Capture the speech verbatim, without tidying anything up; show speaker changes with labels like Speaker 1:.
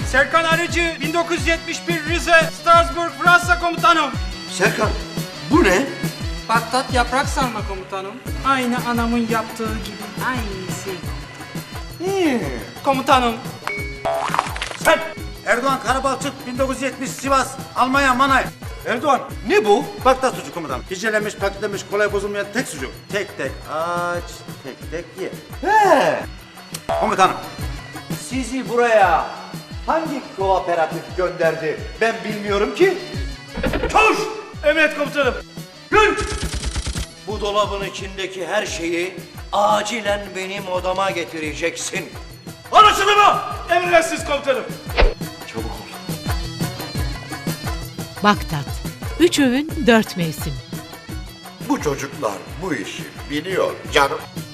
Speaker 1: Serkan Arıcı, bin dokuz yüz yetmiş bir Rize, Strasbourg, Fransa komutanım.
Speaker 2: Serkan, bu ne?
Speaker 1: Bagdat yaprak sarma komutanım. Aynı anamın yaptığı gibi, aynısı.
Speaker 2: Hmm.
Speaker 1: Komutanım.
Speaker 3: Sen! Erdoğan Karabalçık, bin dokuz yüz yetmiş Sivas, Almanya Manay. Erdoğan,
Speaker 2: Ne bu?
Speaker 3: Bagdat sucuk komutanım. Hicelemiş, paketlenmiş, kolay bozulmayan tek sucuk. Tek tek aç, tek tek ye.
Speaker 2: He.
Speaker 3: Komutanım.
Speaker 2: Sizi buraya hangi kooperatif gönderdi? Ben bilmiyorum ki.
Speaker 3: Çavuş! Emret komutanım. Gün!
Speaker 2: Bu dolabın içindeki her şeyi acilen benim odama getireceksin.
Speaker 3: Anlaşıldı mı? Emredersiniz komutanım.
Speaker 2: Çabuk ol.
Speaker 4: Bagdat. Üç öğün, dört mevsim.
Speaker 5: Bu çocuklar bu işi biliyor canım.